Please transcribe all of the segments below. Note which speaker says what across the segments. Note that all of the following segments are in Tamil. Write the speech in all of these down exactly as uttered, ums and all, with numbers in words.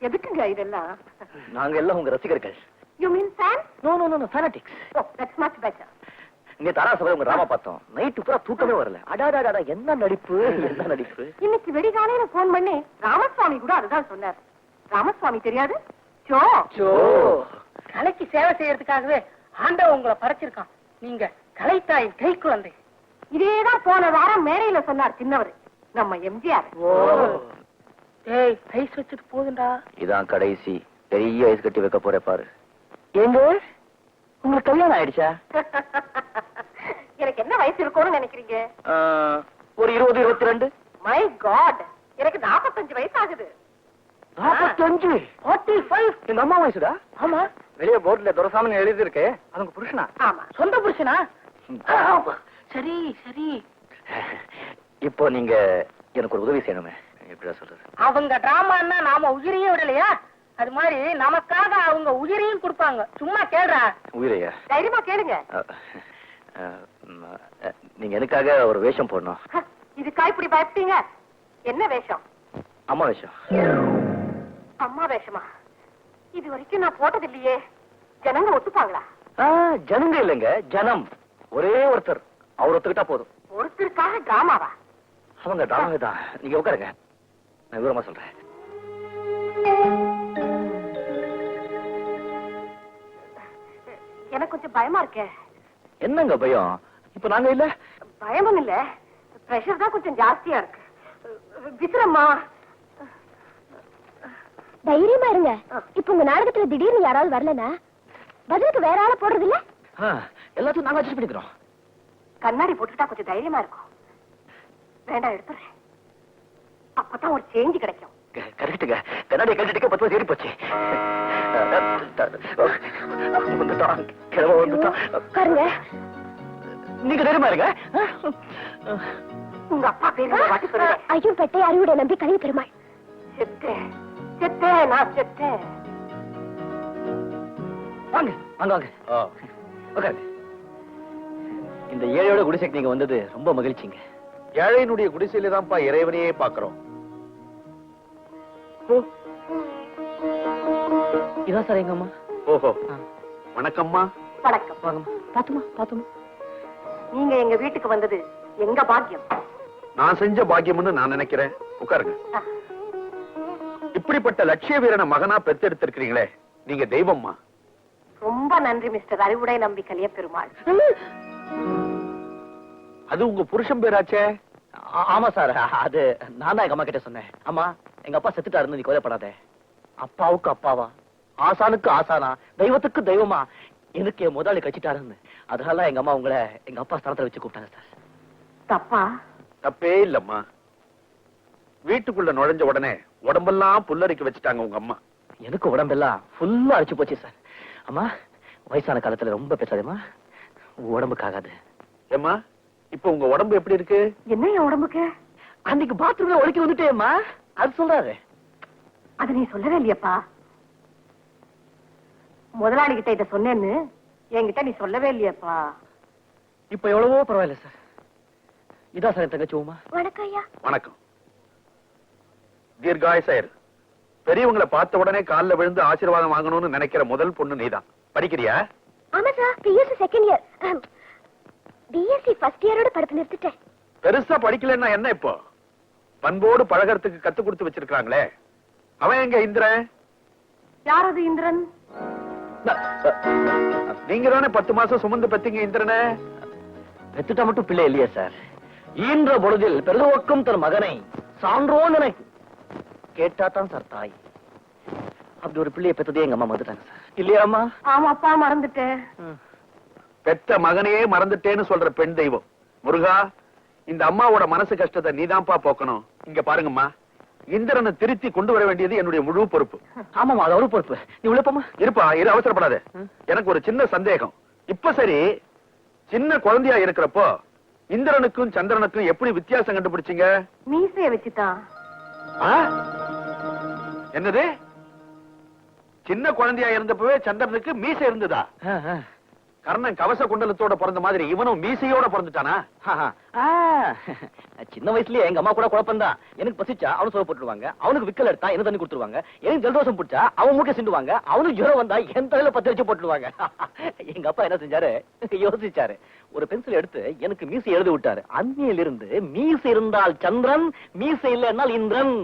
Speaker 1: எதுக்குங்க இதெல்லாம்?
Speaker 2: நாங்க எல்லாம் உங்க ரசிகர்கள்.
Speaker 1: You mean fans?
Speaker 2: No, no, no, no, fanatics.
Speaker 1: Oh, that's much better.
Speaker 2: இங்க தாராசபை உங்க ராமா பார்த்தோம். நைட்டு பூரா தூக்கமே வரல. அடாடாடா என்ன நடிப்பு, என்ன நடிப்பு.
Speaker 1: இன்னைக்கு வெடிகாலையில போன் பண்ணி ராமசுவாமி கூட அதுதான் சொன்னார். ராமசுவாமி தெரியாது? சோ
Speaker 2: சோ
Speaker 3: கலைக்கு சேவை செய்யறதுக்காகவே ஆண்டவன் உங்களை படைச்சிருக்கான். நீங்க கலைத்தாயின் கை குழந்தை.
Speaker 1: இதேதான் போன வாரம் மேடையில சொன்னார் சின்னவர், நம்ம எம்ஜிஆர்.
Speaker 3: ஏய், ஐஸ் வச்சுட்டு போதுண்டா.
Speaker 2: இதான் கடைசி பெரிய ஐஸ் கட்டி வைக்க போற பாரு. எங்க உங்களுக்கு கல்யாணம் ஆயிடுச்சா?
Speaker 1: எனக்கு என்ன வயசு இருக்கும்னு நினைக்கிறீங்க?
Speaker 2: ஒரு இருபது இருபத்தி ரெண்டு.
Speaker 1: மை காட், எனக்கு நாற்பத்தஞ்சு வயசு ஆகுது.
Speaker 2: நாற்பத்தஞ்சு?
Speaker 3: Forty five.
Speaker 2: எங்க அம்மா வயசுடா?
Speaker 3: ஆமா.
Speaker 2: வெளியே போர்ட்ல துரசாமி எழுதி இருக்கு. அவங்க புருஷனா?
Speaker 1: ஆமா.
Speaker 3: சொந்த புருஷனா? சரி சரி.
Speaker 2: இப்போ நீங்க எனக்கு ஒரு உதவி செய்யணுமே. எப்படிடா சொல்றது?
Speaker 3: அவங்க டிராமான்னா நாம உயிரையே விடலையா, அது மாதிரி நமக்காக அவங்க உயிரையும் கொடுப்பாங்க. சும்மா கேளுடா.
Speaker 2: உயிரையா?
Speaker 1: தைரியமா கேளுங்க.
Speaker 2: நீங்க எனக்காக ஒரு வேஷம் போடணும்.
Speaker 1: இதுக்கா இப்படி பயப்பட்டீங்க? என்ன வேஷம்?
Speaker 2: அம்மா வேஷம்.
Speaker 1: அம்மா வேஷமா? இது வரைக்கும் நான் போட்டது இல்லையே. ஜனங்க ஒத்துப்பாங்களா?
Speaker 2: ஜனங்க இல்லைங்க, ஜனம். ஒரே ஒருத்தர், அவர் ஒத்துக்கிட்டா போதும்.
Speaker 1: ஒருத்தருக்காக டிராமாவா?
Speaker 2: அவங்க டிராமா தான். நீங்க உட்காருங்க, நான் விவரமா சொல்றேன்.
Speaker 1: எனக்கு கொஞ்சம் பயமா இருக்கே.
Speaker 2: என்னங்க பயம்? இப்ப நாங்க இல்ல.
Speaker 1: பயமும் இல்ல, பிரஷர் தான் கொஞ்சம் ஜாஸ்தியா இருக்கு. விசிறம்மா,
Speaker 4: தைரியமா இருங்க. இப்ப உங்க நாடகத்துல திடீர்னு யாராவது வரலனா பதிலுக்கு வேற ஆள போடுறது இல்ல?
Speaker 2: எல்லாத்தையும் நாங்க அட்ஜஸ்ட் பண்ணிக்கிறோம்.
Speaker 1: கண்ணாடி போட்டுட்டா கொஞ்சம் தைரியமா இருக்கும். வேண்டாம், எடுத்துறேன். அப்பதான் ஒரு சேஞ்ச் கிடைக்கும்.
Speaker 2: கரெக்டுங்க. கண்ணாடி கழட்டிட்டு பத்து வருஷம் ஏறி போச்சு.
Speaker 4: பாருங்க,
Speaker 2: நீங்க தைரியமா இருங்க.
Speaker 1: உங்க அப்பா பேரு வாட்டி சொல்லுங்க.
Speaker 4: ஐயோ பெட்டை அறிவுடைய நம்பி கலிய பெருமாள்.
Speaker 1: செத்தேன் செத்தேன் நான் செத்தேன்.
Speaker 2: வாங்க வாங்க வாங்க. உட்காருங்க. இந்த ஏழையோட குடிசைக்கு நீங்க வந்தது ரொம்ப மகிழ்ச்சிங்க.
Speaker 5: ஏழையினுடைய குடிசையில தான்ப்பா இறைவனையே பாக்குறோம்.
Speaker 2: இதான் சார் எங்க அம்மா.
Speaker 5: ஓஹோ, வணக்கம்மா.
Speaker 1: வணக்கம்.
Speaker 2: வாங்கம்மா. பாத்துமா பாத்துமா.
Speaker 1: நீங்க எங்க வீட்டுக்கு வந்தது எங்க பாக்கியம்.
Speaker 5: நான் செஞ்ச பாக்கியம்னு நான் நினைக்கிறேன். உட்காருங்க. இப்படிப்பட்ட லட்சிய வீரனை மகனா பெத்தெடுத்திருக்கிறீங்களே, நீங்க தெய்வம்மா.
Speaker 1: ரொம்ப நன்றி மிஸ்டர் அறிவுடை நம்பி கலிய பெருமாள்.
Speaker 5: அது உங்க புருஷன் பேராச்சே?
Speaker 2: ஆமா சார், அது நான் தான் எங்க அம்மா கிட்ட சொன்னேன். அம்மா, எங்க அப்பா செத்துட்டாருன்னு நீ கோதைப்படாத. அப்பாவுக்கு அப்பாவா, ஆசானுக்கு ஆசானா, தெய்வத்துக்கு தெய்வமா எனக்கு என் முதலாளி கட்சிட்டாருன்னு. அதனால எங்க அம்மா உங்களை எங்க அப்பா ஸ்தானத்துல வச்சு கூப்பிட்டாங்க சார்.
Speaker 1: தப்பா?
Speaker 5: தப்பே இல்லம்மா. வீட்டுக்குள்ள நுழைஞ்ச உடனே உடம்பெல்லாம் புல்லரிக்க வச்சுட்டாங்க உங்க அம்மா.
Speaker 2: எனக்கு உடம்பெல்லாம் ஃபுல்லா அடிச்சு போச்சு சார். அம்மா, வயசான காலத்துல ரொம்ப பேசாதேம்மா, உடம்புக்கு ஆகாது.
Speaker 5: ஏம்மா, இப்ப உங்க உடம்பு எப்படி இருக்கு?
Speaker 1: என்ன என் உடம்புக்கு?
Speaker 2: அன்னைக்கு பாத்ரூம்ல ஒழுக்கி வந்துட்டேம்மா, அது சொல்றாரு.
Speaker 1: அது நீ சொல்லவே இல்லையப்பா. முதலாளி கிட்ட இத சொன்னேன்னு என்கிட்ட நீ சொல்லவே இல்லையப்பா.
Speaker 2: இப்ப எவ்வளவோ பரவாயில்ல சார். இதான் சார் என் தங்கச்சி உமா.
Speaker 4: வணக்கம் ஐயா.
Speaker 5: வணக்கம். தீர்காயசாயர், பெரியவங்களை பார்த்த உடனே காலில் விழுந்து ஆசீர்வாதம் வாங்கணும்னு நினைக்கிற முதல் பொண்ணு நீதான். படிக்கிறியா?
Speaker 4: ஆமா sir, BSc second year. BSc first இயரோட படிப்பு நிறுத்திட்டேன்.
Speaker 5: பெருசா படிக்கலன்னா என்ன இப்போ? பண்போடு பழகிறதுக்கு கத்து கொடுத்து வச்சிருக்காங்களே, அவன் எங்க இந்திரன்?
Speaker 1: யார் அது இந்திரன்?
Speaker 5: நீங்க தானே பத்து மாசம் சுமந்து பெத்தீங்க இந்திரனை.
Speaker 2: பெத்துட்டா மட்டும் பிள்ளை இல்லையா சார்? ஈன்ற பொழுதில் பெருதுவக்கும் தன் மகனை சான்றோன் என கேட்டா தான் சார் தாய். அப்படி ஒரு பிள்ளையை பெத்ததே எங்க அம்மா வந்துட்டாங்க சார். இல்லையாமா?
Speaker 1: ஆமாப்பா, மறந்துட்டேன்.
Speaker 5: பெத்த மகனையே மறந்துட்டேன்னு சொல்ற பெண் தெய்வம் முருகா, இந்த அம்மாவோட மனசு கஷ்டத்தை நீதான்ப்பா போக்கணும். இங்க பாருங்கம்மா, இந்திரனை திருத்தி கொண்டு வர வேண்டியது என்னுடைய முழு பொறுப்பு.
Speaker 2: ஆமாமா, அது ஒரு பொறுப்பு. நீ உழைப்பமா
Speaker 5: இருப்பா, இரு, அவசரப்படாத. எனக்கு ஒரு சின்ன சந்தேகம். இப்ப சரி, சின்ன குழந்தையா இருக்கிறப்போ இந்திரனுக்கும் சந்திரனுக்கும் எப்படி வித்தியாசம் கண்டுபிடிச்சீங்க?
Speaker 1: மீசைய வச்சுதான்.
Speaker 5: என்னது? சின்ன குழந்தையா இருந்தப்பவே சந்திரனுக்கு மீசை இருந்ததா? கர்ணன் கவச குண்டலத்தோட பிறந்த மாதிரி இவனும் மீசையோட பிறந்துட்டானா?
Speaker 2: ஆஹா. ஆ, சின்ன வயசுலயே எங்க அம்மா கூட குழப்பம் தான். எனக்கு பசிச்சா அவனு சோறு போட்டுருவாங்க, அவனுக்கு விக்கல் எடுத்தா என்ன தண்ணி கொடுத்துருவாங்க, எனக்கு ஜலதோஷம் பிடிச்சா அவன் மூக்க சிண்டுவாங்க, அவனுக்கு ஜுரம் வந்தா என் தலையில பத்து வச்சு போட்டுருவாங்க. எங்க அப்பா என்ன செஞ்சாரு, யோசிச்சாரு, ஒரு பென்சில் எடுத்து எனக்கு மீசை எழுதி விட்டாரு. அன்னையில இருந்து மீசை இருந்தால் சந்திரன், மீசை இல்லைன்னால் இந்திரன்.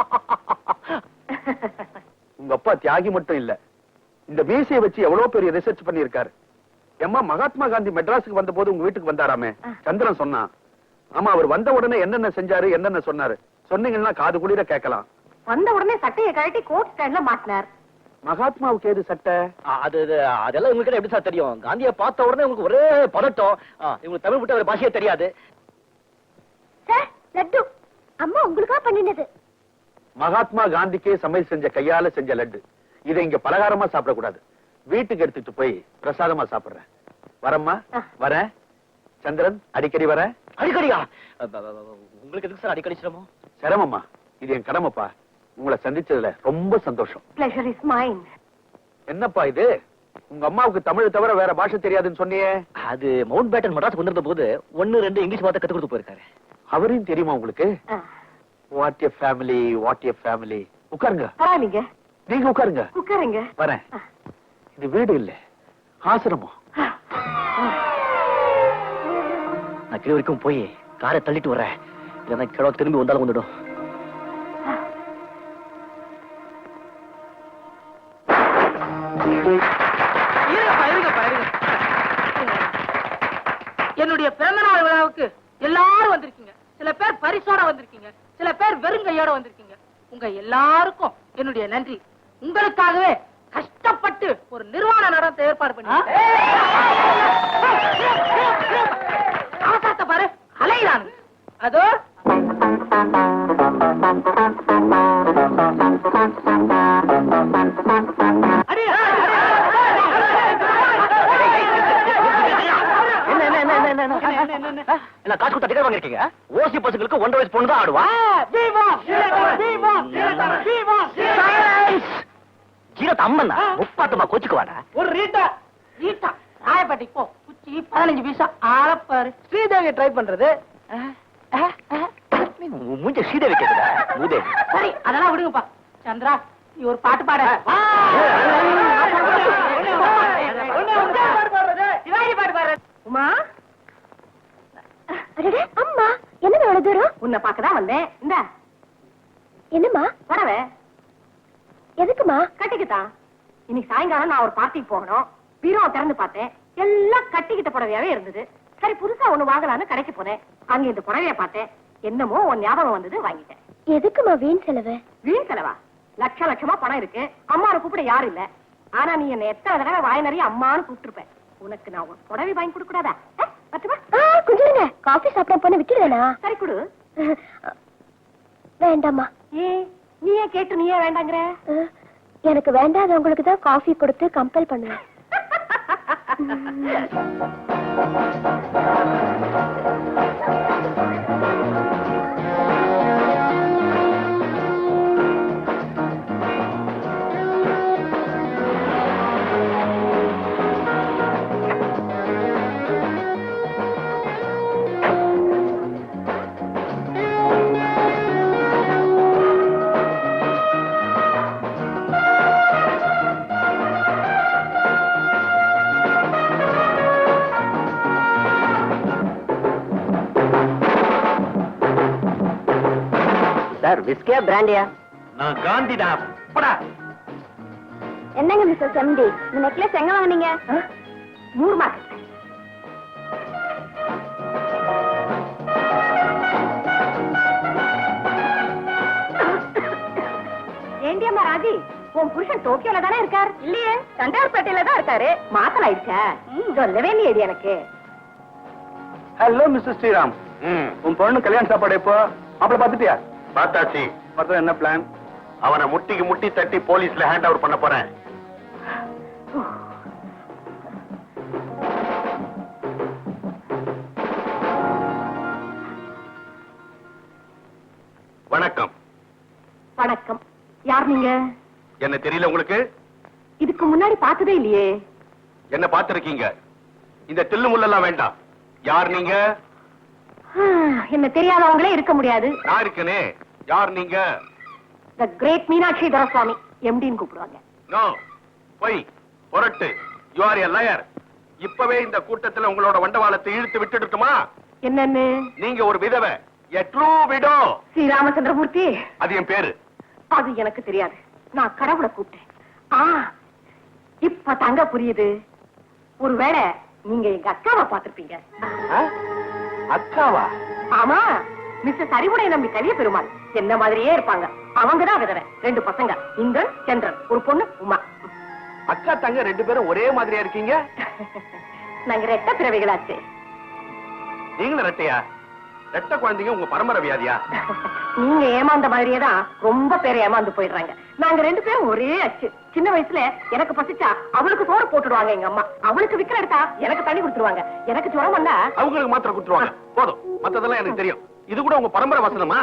Speaker 5: உங்க அப்பா தியாகி மட்டும் இல்ல, இந்த மீசையை வச்சு எவ்வளவு பெரிய ரிசர்ச் பண்ணிருக்காரு. ஏம்மா, மகாத்மா காந்தி மெட்ராஸுக்கு வந்த போது உங்க வீட்டுக்கு வந்தாராமே, சந்திரன் சொன்னான். ஆமா, அவர் வந்த உடனே என்னென்ன செஞ்சாரு, என்னென்ன சொன்னாரு சொன்னீங்கன்னா காது குளிர கேட்கலாம்.
Speaker 1: வந்த உடனே சட்டையை கழட்டி கோட் ஸ்டாண்ட்ல மாட்டினார்.
Speaker 5: மகாத்மாவுக்கு ஏது சட்டை?
Speaker 2: அது அது- அதெல்லாம் உங்களுக்கு எப்படி சார் தெரியும்? காந்தியை பார்த்த உடனே உங்களுக்கு ஒரே பதட்டம். ஆ, இவங்களுக்கு தமிழ் விட்டு ஒரு பாஷையே தெரியாது.
Speaker 4: சார், லட்டு அம்மா உங்களுக்கா பண்ணினது.
Speaker 5: மகாத்மா காந்திக்கே சமையல் செஞ்ச கையால செஞ்ச லட்டு. இதை இங்க பலகாரமா சாப்பிடக்கூடாது, வீட்டுக்கு எடுத்துட்டு போய் பிரசாதமா சாப்பிடுறேன். வரம்மா, வரேன். சந்திரன், அடிக்கடி வரேன்.
Speaker 2: அடிக்கடியா? அப்ப- அப்ப- அப்ப- உங்களுக்கு எதுக்கு சார் அடிக்கடி சிரமம்?
Speaker 5: சிரமம்மா, இது என் கடமைப்பா. உங்களை சந்திச்சதுல ரொம்ப சந்தோஷம்.
Speaker 1: Pleasure is mine.
Speaker 5: என்னப்பா இது, உங்க அம்மாவுக்கு தமிழ் தவிர வேற பாஷை தெரியாதுன்னு சொன்னியே?
Speaker 2: அது மவுண்ட் பேட்டன் மெட்ராஸ் வந்திருந்த போது ஒன்னு ரெண்டு இங்கிலீஷ் வார்த்தை கத்து கொடுத்து போயிருக்காரு.
Speaker 5: அவரையும் தெரியுமா உங்களுக்கு?
Speaker 1: ஆ.
Speaker 5: What a family, what a family. உட்காருங்க,
Speaker 1: பரவாயில்லைங்க,
Speaker 5: நீங்க உட்காருங்க.
Speaker 1: உட்காருங்க.
Speaker 5: வரேன். இது வீடு இல்ல, ஆசிரமம்.
Speaker 2: நான் கீழ வரைக்கும் போய் காரை தள்ளிட்டு வரேன், இல்லைன்னா கிழக்கு திரும்பி வந்தாலும் வந்துடும்.
Speaker 3: இருங்கப்பா, இருங்கப்பா, இருங்க. என்னுடைய பிறந்தநாள் விழாவுக்கு எல்லாரும் வந்திருக்கீங்க. சில பேர் பரிசோட வந்திருக்கீங்க, சில பேர் வெறுங்கையோட வந்திருக்கீங்க. உங்க எல்லாருக்கும் என்னுடைய நன்றி. உங்களுக்காகவே கஷ்டப்பட்டு ஒரு நிர்வாண நடனத்தை ஏற்பாடு பண்ணி அவசரத்தை பாரு, அலையிறானு. அதோ அடி,
Speaker 2: என்ன என்ன என்ன என்ன என்ன என்ன என்ன காசு கொடுத்தா டிக்கெட் வாங்கிருக்கீங்க? ஓசி பசங்களுக்கு ஒன்றரை வயசு பொண்ணு தான் ஆடுவா. ஜீரத் அம்மன் முப்பாத்தமா கோச்சுக்குவாடா.
Speaker 3: ஒரு ரீட்டா ரீட்டா ராயப்பேட்டைக்கு போ, குச்சி பதினஞ்சு பைசா ஆளப்பாரு. ஸ்ரீதேவியை ட்ரை பண்றது.
Speaker 2: மூஞ்ச சீதை வைக்கிறதா மூதே?
Speaker 3: சரி, அதெல்லாம் விடுங்கப்பா. சந்திரா, நீ ஒரு பாட்டு பாட. சிவாஜி பாட்டு பாடுற.
Speaker 1: உமா,
Speaker 4: அடடே, அம்மா என்னது அவ்வளவு தூரம்?
Speaker 1: உன்னை பார்க்கதான் வந்தேன். இந்த
Speaker 4: என்னம்மா?
Speaker 1: புடவை
Speaker 4: எதுக்குமா?
Speaker 1: கட்டிக்கிட்டான். இன்னைக்கு சாயங்காலம் நான் ஒரு பார்ட்டிக்கு போகணும். பீரோ திறந்து பார்த்தேன், எல்லாம் கட்டிக்கிட்ட புடவையாவே இருந்தது. சரி, புதுசா ஒண்ணு வாங்கலான்னு கடைக்கு போனேன். அங்க இந்த புடவைய பார்த்தேன். என்னமோ உன் ஞாபகம் வந்தது, வாங்கிட்டேன்.
Speaker 4: எதுக்குமா வீண் செலவு?
Speaker 1: வீண் செலவா? லட்ச லட்சமா பணம் இருக்கு, அம்மாவை கூப்பிட யாரும் இல்ல. ஆனா நீ என்ன எத்தனை தடவை வாய் நிறைய அம்மான்னு கூப்பிட்டுருப்ப. உனக்கு நான் ஒரு புடவை வாங்கி கொடுக்க கூடாதா? பத்துமா?
Speaker 4: கொஞ்சம் இருங்க, காஃபி சாப்பிட போன விட்டுடுவேனா?
Speaker 1: சரி, கொடு.
Speaker 4: வேண்டாம்மா.
Speaker 1: ஏன் நீயே கேட்டு நீயே வேண்டாங்கிற?
Speaker 4: அஹ், எனக்கு வேண்டாதவங்களுக்கு தான் காஃபி கொடுத்து கம்பல் பண்ணுவேன்.
Speaker 2: சார், விஸ்கியா பிராண்டியா?
Speaker 5: நான் காந்திடா. படா.
Speaker 4: என்னங்க மிஸ்டர் செம்டி, இந்த நெக்லஸ் எங்க வாங்குனீங்க?
Speaker 1: நூறு மார்க். ஏண்டியம்மா ராஜி, உன் புருஷன் டோக்கியோல தானே இருக்கார்? இல்லையே, தண்டார்பேட்டையில தான் இருக்காரு. மாத்தல ஆயிடுச்சா? சொல்லவே இல்லையடி எனக்கு.
Speaker 5: Hello mister Sriram. உன் பொண்ணு கல்யாண சாப்பாடு எப்போ? மாப்பிள பாத்துட்டியா? பார்த்தாச்சு. பார்த்தா என்ன பிளான்? அவனை முட்டிக்கு முட்டி தட்டி போலீஸ்ல ஹேண்ட் ஓவர் பண்ண போறேன். வணக்கம்.
Speaker 1: வணக்கம். யார் நீங்க?
Speaker 5: என்ன தெரியல உங்களுக்கு?
Speaker 1: இதுக்கு முன்னாடி பார்த்ததே இல்லையே.
Speaker 5: என்ன பார்த்திருக்கீங்க? இந்த தில்லு முள்ளெல்லாம் வேண்டாம். யார் நீங்க?
Speaker 1: என்ன தெரியாதவங்களே இருக்க முடியாது.
Speaker 5: நான் இருக்கனே. யார் நீங்க?
Speaker 1: த கிரேட் மீனாட்சி துரசுவாமி, எம்டின்னு கூப்பிடுவாங்க.
Speaker 5: நோ, போய் புரட்டு. You are a liar. இப்பவே இந்த கூட்டத்துல உங்களோட வண்டவாளத்தை இழுத்து விட்டுடுட்டுமா?
Speaker 1: என்னன்னு?
Speaker 5: நீங்க ஒரு விதவை, a true widow.
Speaker 1: Sri Ramachandramurthy.
Speaker 5: அது என் பேரு.
Speaker 1: அது எனக்கு தெரியாது. நான் கடவுளை கூப்பிட்டேன். ஆ, இப்ப தங்க புரியுது. ஒருவேளை நீங்க எங்க அக்காவை பார்த்திருப்பீங்க.
Speaker 5: அக்காவா?
Speaker 1: ஆமா, மிஸ்டர் அறிவுடை நம்பி கலிய பெருமாள் என்ன மாதிரியே இருப்பாங்க. அவங்கதான் விதவை. ரெண்டு பசங்க, இந்திரன் சந்திரன், ஒரு பொண்ணு உமா.
Speaker 5: அக்கா தங்க ரெண்டு பேரும் ஒரே மாதிரியா இருக்கீங்க.
Speaker 1: நாங்க ரெட்ட பிறவைகளாச்சு.
Speaker 5: நீங்களும் ரெட்டையா? ரெட்ட குழந்தைங்க உங்க பரம்பரை வியாதியா?
Speaker 1: நீங்க ஏமாந்த மாதிரியே தான் ரொம்ப பேர் ஏமாந்து போயிடுறாங்க. நாங்க ரெண்டு பேரும் ஒரே அச்சு. சின்ன வயசுல எனக்கு பசிச்சா அவளுக்கு சோறு போட்டுடுவாங்க எங்க அம்மா. அவளுக்கு விக்கிற எடுத்தா எனக்கு தண்ணி கொடுத்துருவாங்க. எனக்கு ஜுரம் வந்தா
Speaker 5: அவங்களுக்கு மாத்திரை கொடுத்துருவாங்க. போதும், மத்ததெல்லாம் எனக்கு தெரியும். இது கூட உங்க பரம்பரை வசனமா?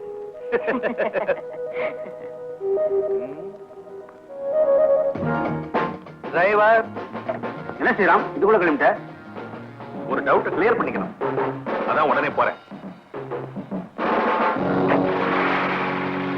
Speaker 5: டிரைவர். என்ன செய்யலாம்? இதுக்குள்ள கிளம்பிட்ட? ஒரு டவுட் கிளியர் பண்ணிக்கணும். அதான் உடனே போறேன்.